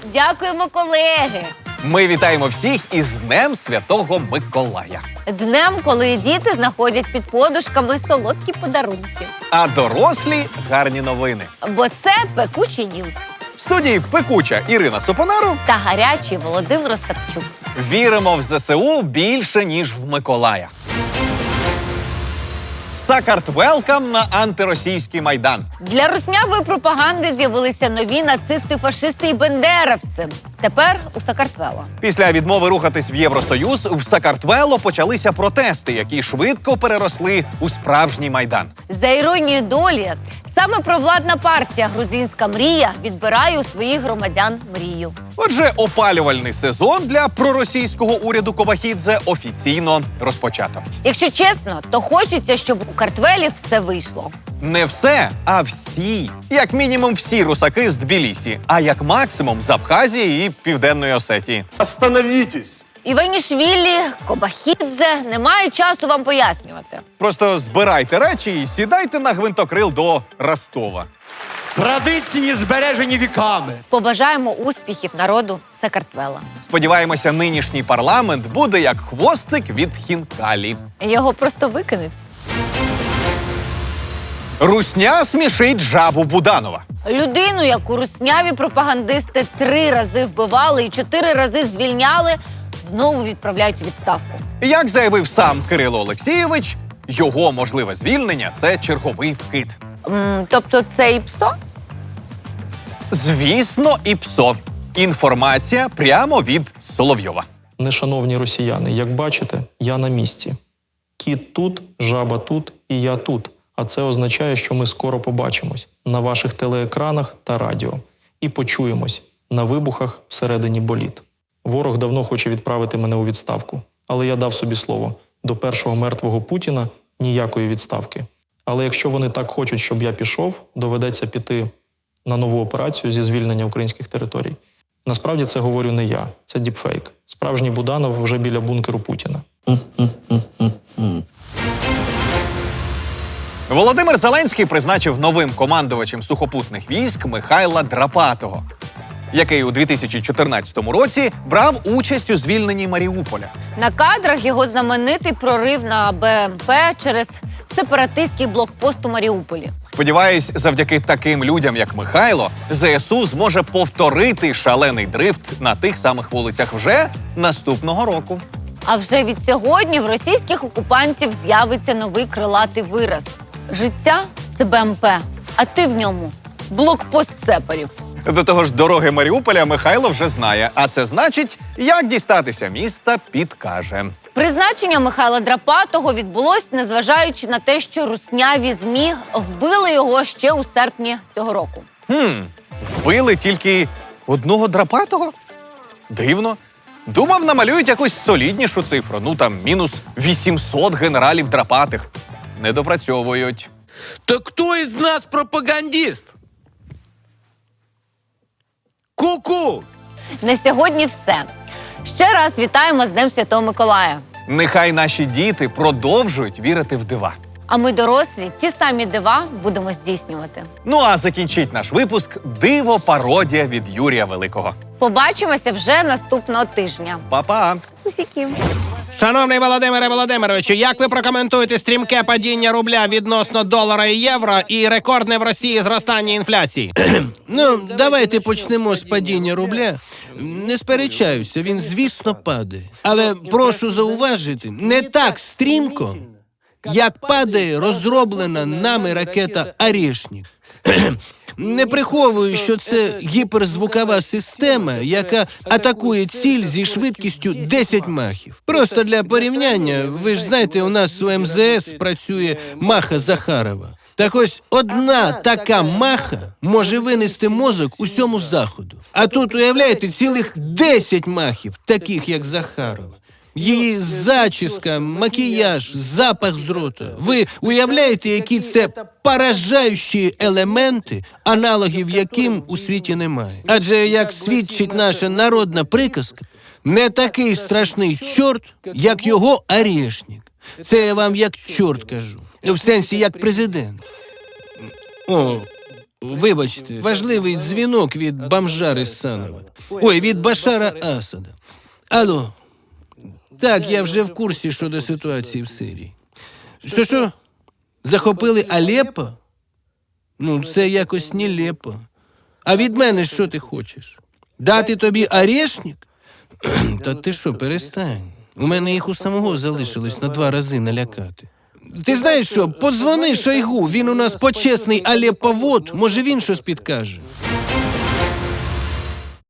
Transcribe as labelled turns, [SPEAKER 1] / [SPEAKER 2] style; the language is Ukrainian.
[SPEAKER 1] Дякуємо, колеги!
[SPEAKER 2] Ми вітаємо всіх із Днем Святого Миколая.
[SPEAKER 1] Днем, коли діти знаходять під подушками солодкі подарунки.
[SPEAKER 2] А дорослі – гарні новини.
[SPEAKER 1] Бо це пекучі ньюз.
[SPEAKER 2] В студії пекуча Ірина Сопонару.
[SPEAKER 1] Та гарячий Володимир Остапчук.
[SPEAKER 2] Віримо в ЗСУ більше, ніж в Миколая. Сакартвелкам на антиросійський Майдан.
[SPEAKER 1] Для руснявої пропаганди з'явилися нові нацисти, фашисти і бендеровці. Тепер у Сакартвело.
[SPEAKER 2] Після відмови рухатись в Євросоюз в Сакартвело почалися протести, які швидко переросли у справжній Майдан.
[SPEAKER 1] За іронією долі, саме провладна партія «Грузинська мрія» відбирає у своїх громадян мрію.
[SPEAKER 2] Отже, опалювальний сезон для проросійського уряду Кобахідзе офіційно розпочато.
[SPEAKER 1] Якщо чесно, то хочеться, щоб у Картвелі все вийшло.
[SPEAKER 2] Не все, а всі. Як мінімум всі русаки з Тбілісі, а як максимум з Абхазії і Південної Осетії.
[SPEAKER 3] Остановитесь!
[SPEAKER 1] Іванішвілі, Кобахідзе, немає часу вам пояснювати.
[SPEAKER 2] Просто збирайте речі і сідайте на гвинтокрил до Ростова.
[SPEAKER 3] Традиції збережені віками.
[SPEAKER 1] Побажаємо успіхів народу Сакартвела.
[SPEAKER 2] Сподіваємося, нинішній парламент буде як хвостик від хінкалі.
[SPEAKER 1] Його просто викинуть.
[SPEAKER 2] Русня смішить жабу Буданова.
[SPEAKER 1] Людину, яку русняві пропагандисти 3 рази вбивали і 4 рази звільняли, знову відправляють у відставку.
[SPEAKER 2] Як заявив сам Кирило Олексійович, його можливе звільнення – це черговий вкид.
[SPEAKER 1] Тобто це і ПСО?
[SPEAKER 2] Звісно, і ПСО. Інформація прямо від Соловйова.
[SPEAKER 4] Нешановні росіяни, як бачите, я на місці. Кіт тут, жаба тут і я тут. А це означає, що ми скоро побачимось на ваших телеекранах та радіо. І почуємось на вибухах всередині боліт. Ворог давно хоче відправити мене у відставку. Але я дав собі слово, до першого мертвого Путіна ніякої відставки. Але якщо вони так хочуть, щоб я пішов, доведеться піти на нову операцію зі звільнення українських територій. Насправді це говорю не я, це діпфейк. Справжній Буданов вже біля бункеру Путіна.
[SPEAKER 2] Володимир Зеленський призначив новим командувачем сухопутних військ Михайла Драпатого, який у 2014 році брав участь у звільненні Маріуполя.
[SPEAKER 1] На кадрах його знаменитий прорив на БМП через сепаратистський блокпост у Маріуполі.
[SPEAKER 2] Сподіваюсь, завдяки таким людям, як Михайло, ЗСУ зможе повторити шалений дрифт на тих самих вулицях вже наступного року.
[SPEAKER 1] А вже від сьогодні в російських окупантів з'явиться новий крилатий вираз. Життя – це БМП, а ти в ньому – блокпост сепарів.
[SPEAKER 2] До того ж, дороги Маріуполя Михайло вже знає, а це значить, як дістатися міста, підкаже.
[SPEAKER 1] Призначення Михайла Драпатого відбулось, незважаючи на те, що русняві ЗМІ вбили його ще у серпні цього року.
[SPEAKER 2] Вбили тільки одного Драпатого? Дивно. Думав, намалюють якусь соліднішу цифру. Ну там, мінус 800 генералів Драпатих. Не допрацьовують.
[SPEAKER 5] Так кто из нас пропагандист? Ку-ку!
[SPEAKER 1] На сьогодні все. Ще раз вітаємо з Днем Святого Миколая.
[SPEAKER 2] Нехай наші діти продовжують вірити в дива.
[SPEAKER 1] А ми, дорослі, ці самі дива будемо здійснювати.
[SPEAKER 2] Ну а закінчить наш випуск диво-пародія від Юрія Великого.
[SPEAKER 1] Побачимося вже наступного тижня.
[SPEAKER 2] Па-па!
[SPEAKER 1] Усіків.
[SPEAKER 6] Шановний Володимире Володимировичу, як ви прокоментуєте стрімке падіння рубля відносно долара і євро і рекордне в Росії зростання інфляції?
[SPEAKER 7] Ну, давайте почнемо з падіння рубля. Не сперечаюся, він, звісно, падає. Але прошу зауважити, не так стрімко, як падає розроблена нами ракета «Орешник». Не приховую, що це гіперзвукова система, яка атакує ціль зі швидкістю 10 махів. Просто для порівняння, ви ж знаєте, у нас у МЗС працює маха Захарова. Так ось одна така маха може винести мозок усьому заходу. А тут, уявляєте, цілих 10 махів, таких як Захарова. Її зачіска, макіяж, запах з рота. Ви уявляєте, які це поражаючі елементи, аналогів яким у світі немає? Адже, як свідчить наша народна приказка, не такий страшний чорт, як його орешник. Це я вам як чорт кажу. В сенсі, як президент. О, Вибачте, важливий дзвінок від бомжа Рисанова. Ой, від Башара Асада. Алло. Так, я вже в курсі щодо ситуації в Сирії. Що? Захопили Алеппо? Ну, це якось нелепо. А від мене що ти хочеш? Дати тобі орешник? Та ти що, перестань. У мене їх у самого залишилось на 2 рази налякати. Ти знаєш що, подзвони Шойгу, він у нас почесний Алепповод, може він щось підкаже.